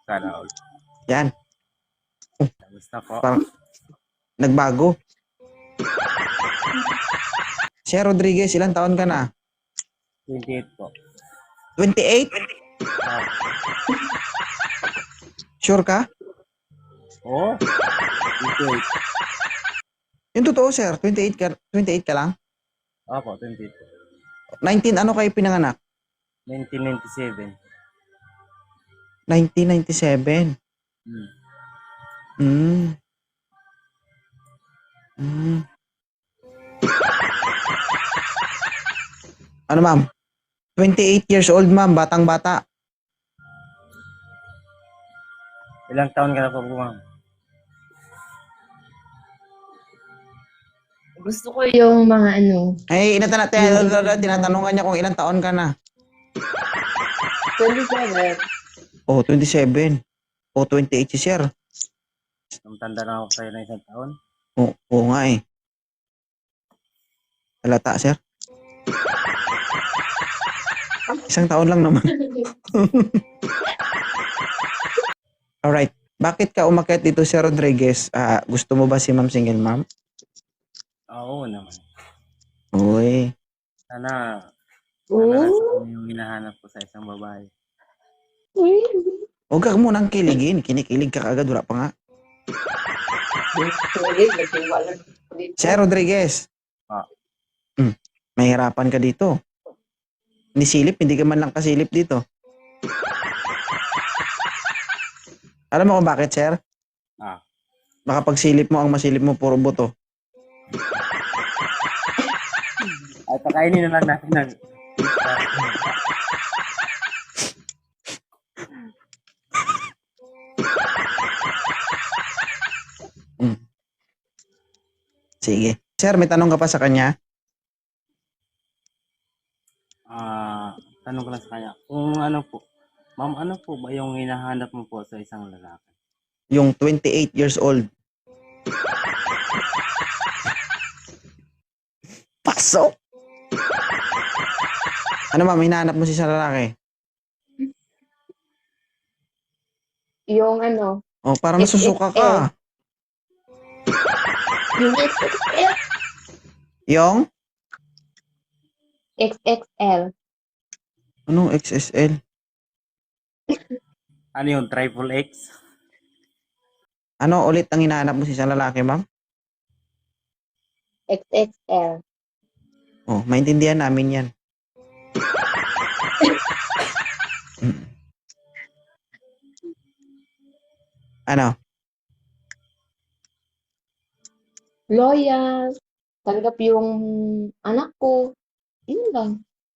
Sana all. Yan. Kamusta po? Parang nagbago. Sir Rodriguez, ilang taon ka na? 28 po. 28? Ah, Sure ka? Oo. 28. Yung totoo, sir. 28 ka lang? Opo, 28. 19, ano kayo pinanganak? 1997. 1997. Hmm. Hmm. Hmm. Ano, ma'am? 28 years old, ma'am. Batang-bata. Ilang taon ka na po, ma'am? Gusto ko yung mga ano, Ay, tinatanungan niya kung ilang taon ka na. 27. Oh, 27. Oh, 28 si sir. Tanda na ako sa'yo na isang taon. Oo nga eh. Halata, sir. Isang taon lang naman. Alright. Bakit ka umakyat dito, Sir Rodriguez? Gusto mo ba si Ma'am Single Ma'am? Oo naman. Uy. Sana Oo. kami yung hinahanap ko sa isang babae. Huwag ka munang kiligin. Kinikilig ka agad. Wala pa nga. Sir Rodriguez. Ah. Mahirapan ka dito. Nisilip, hindi ka man lang kasilip dito. Alam mo kung bakit, sir? Ah. Baka pag silip mo, ang masilip mo, puro buto. Ay, pakainin na lang natin ng... Sige. Sir, may tanong ka pa sa kanya? Tanong ko lang sa kanya. Kung ano po, ma'am, ano po ba yung hinahanap mo po sa isang lalaki? Yung 28 years old. Pasok! Ano ma'am, hinahanap mo si isang lalaki? Yung ano, Oh, parang nasusuka ka. yung XXL. Yung? XXL. Anong XSL? Ano yung triple X? Ano ulit ang hinahanap mo si isang lalaki, ma'am? XXL. Oh, maintindihan namin yan. Ano? Loyal. Tanggap yung anak ko. Yun lang.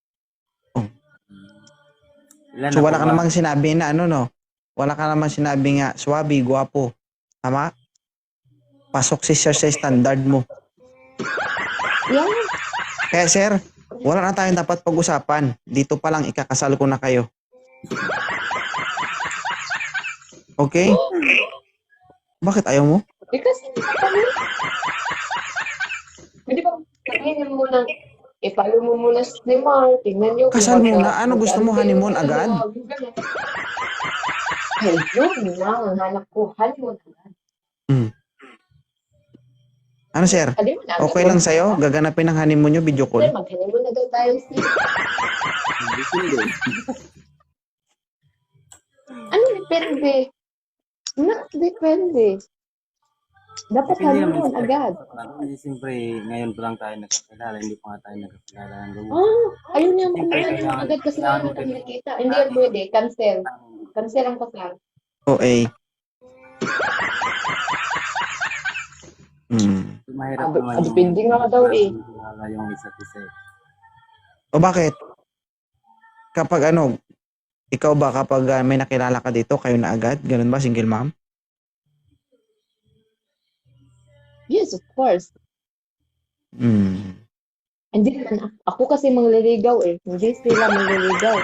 Ilan So na wala po ka ba? namang sinabi na ano, no? Wala ka namang sinabi nga, swabe, guwapo. Tama? Pasok si sir sa standard mo. Yan. Kaya sir, wala na tayong dapat pag-usapan. Dito pa lang ikakasal ko na kayo. Okay? Bakit ayaw mo? Kasi kami. Pwede ba sabihin mo lang, follow mo muna si Neymar. Tingnan niyo. Kasal muna? Ano gusto mo, honeymoon agad? Ay, yun na. Ang hanap ko. Honeymoon agad. Ano sir? Honeymoon agad. Okay lang sa'yo? Gaganapin ang honeymoon nyo, video Sir, call? mag-honeymoon agad tayo. Ano depende? Depende. Dapat Depende naman honeymoon sa- agad. Kasi siyempre, ngayon pa lang tayo nagkakilala, hindi pa nga tayo nagkakilala ng lubuan. Ayun yung Siyempre, honeymoon agad kasi kailangan wala kami nakita. Hindi yan pwede. Cancel. Cancel ang kasal. Okay. Mahirap naman Depende nga daw eh. kilala yung isa't isa. O bakit? Kapag ano, ikaw ba kapag may nakilala ka dito, kayo na agad? Ganun ba, single mom? Yes, of course. Hindi naman. Ako kasi mangliligaw eh. Hindi sila mangliligaw.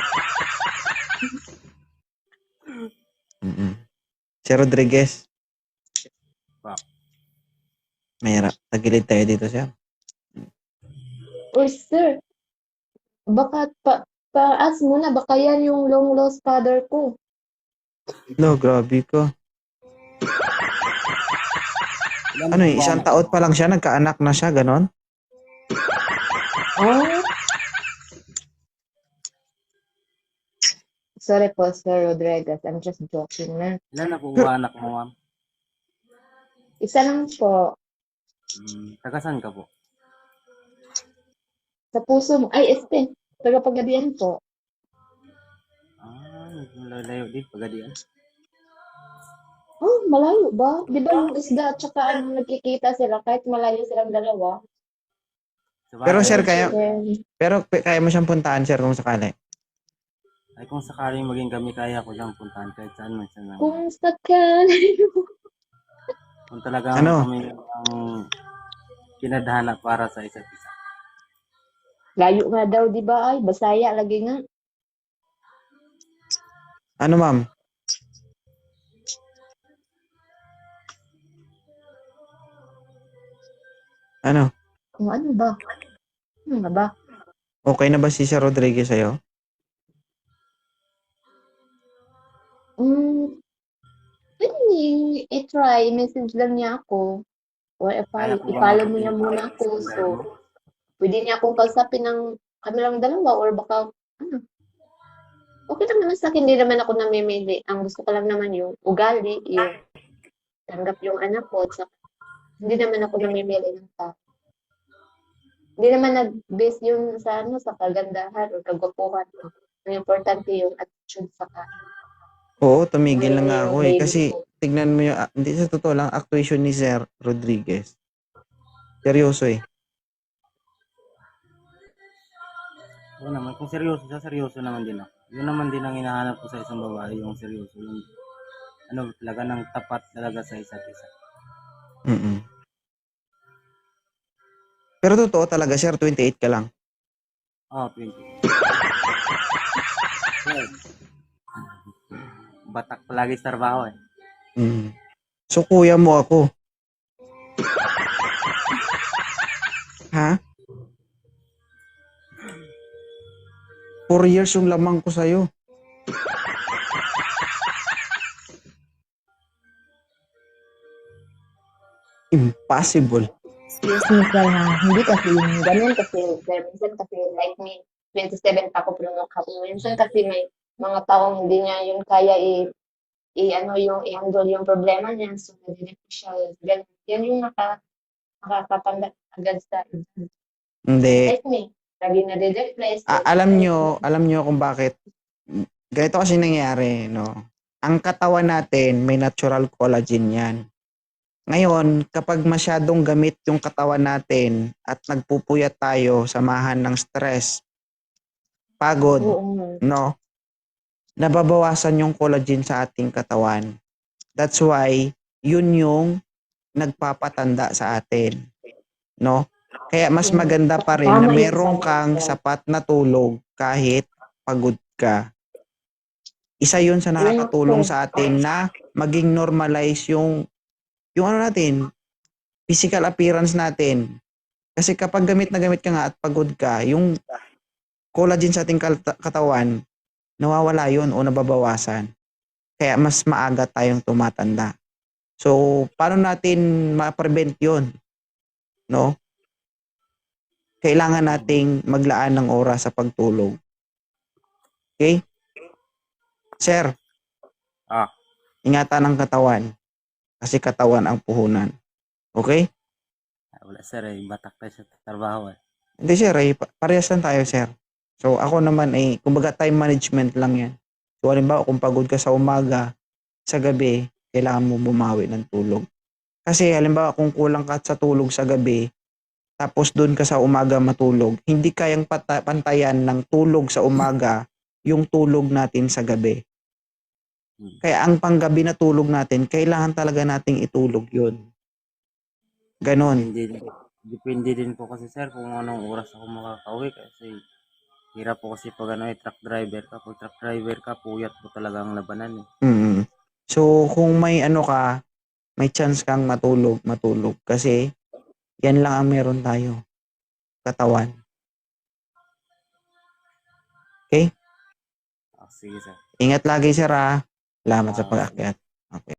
Si Rodriguez. Wow. Mahirap. Tagilid tayo dito siya. Or sir, baka taas mo na. Baka yan yung long lost father ko. No, grabe ko. Ilan Ano po eh, ba isang anak taon mo? pa lang siya, nagkaanak na siya, ganon? Oh, sorry po, Sir Rodriguez. I'm just joking na. Ilan na po Pero, ba anak mo, ma'am? Isa lang po. Taga saan ka po? Sa puso mo. Ay, tagapaggabihan po. Lalayo din, Pagadian. Oh, malayo ba? Di ba yung isda at saka ano, nagkikita sila kahit malayo silang dalawa? Sa pero bagay, sir, ano po? kaya mo siyang puntaan, sir, kung sakali. Ay kung sakaling maging kami, kaya ko siyang puntahan kahit saan man siya naman. Kung sakali. Kung talagang Ano? kami ang kinadhana para sa isa't isa. Layo nga daw, di ba? Ay, Basaya lagi nga. Ano, ma'am? Ano? Kung ano ba? Ano nga ba? Okay na ba si Sir Rodriguez sa'yo? Hmm, pwede niyo i-try. Message lang niya ako. Or Kaya i-follow, po bang i-follow mo abutin niya pa muna ang ako. So, standard mo? pwede niya akong kausapin ng kami lang dalawa or baka, ano, okay lang naman sa akin. Hindi naman ako namimili. Ang gusto ko lang naman yung ugali, yung tanggap yung anak ko. At saka, hindi naman ako namimili ng tao. Hindi naman nag-base yun sa ano, sa kagandahan o kagwapuhan. Ang importante yung attitude sa Oo, tumigil na ngayon nga yung ako eh. baby Kasi, ko. tignan mo yung, hindi sa totoo lang, actuation ni Sir Rodriguez. Seryoso eh. Oo naman, kung seryoso siya, seryoso naman din ako. Yun naman din ang hinahanap ko sa isang babae, yung seryoso. Yung ano talaga, ng tapat talaga sa isa't isa. Mm-mm. Pero totoo talaga, Sir, 28 ka lang. 20. Yes. Batak palagi sa trabaho eh. Mm. So, kuya mo ako. Ha? 4 years yung lamang ko sa'yo. Impossible. Excuse me, sir, ha? Hindi kasi yung ganun kasi, sir. Minsan kasi, like me, 27 pa ako pero minsan kasi may mga taong hindi niya yun kaya ano, yung i-handle yung problema niya. So, nadinig ko siya. Ganun. Yan yung nakakatanda agad sa Hindi. like me. Lagi nade-depress. Alam nyo kung bakit. Ganito kasi nangyari, no? Ang katawan natin, may natural collagen yan. Ngayon, kapag masyadong gamit yung katawan natin at nagpupuyat tayo, samahan ng stress, pagod, Oo nga. no? Nababawasan yung collagen sa ating katawan. That's why, yun yung nagpapatanda sa atin, no? Kaya mas maganda pa rin na Tama yung meron sabi mo, kang sir. sapat na tulog kahit pagod ka. Isa yun sa Yun nakakatulong sir. sa atin na maging normalize yung ano natin, physical appearance natin. Kasi kapag gamit na gamit ka nga at pagod ka, yung collagen sa ating katawan, nawawala yun o nababawasan. Kaya mas maaga tayong tumatanda. So, paano natin ma-prevent yun? No? Kailangan nating maglaan ng oras sa pagtulog. Okay? Sir, Ah, ingatan ang katawan. Kasi katawan ang puhunan. Okay? wala sir eh. Batak tayo sa trabaho eh. Hindi sir, parehas lang tayo sir. So ako naman kumbaga time management lang yan. So halimbawa kung pagod ka sa umaga, sa gabi, kailangan mo bumawi ng tulog. Kasi halimbawa kung kulang ka sa tulog sa gabi, tapos doon ka sa umaga matulog, hindi kayang pantayan ng tulog sa umaga yung tulog natin sa gabi. Kaya ang panggabi na tulog natin, kailangan talaga nating itulog yun. Ganon. Depende din po kasi sir kung anong oras ako makakauwi kasi hirap po kasi pag truck driver ka. Pag truck driver ka, puyat po talaga ang labanan eh. Mm. So kung may may chance kang matulog. Kasi yan lang ang meron tayo. Katawan. Okay? Sige sir. Ingat lagi sir ha. Salamat sa pag-akyat. Okay.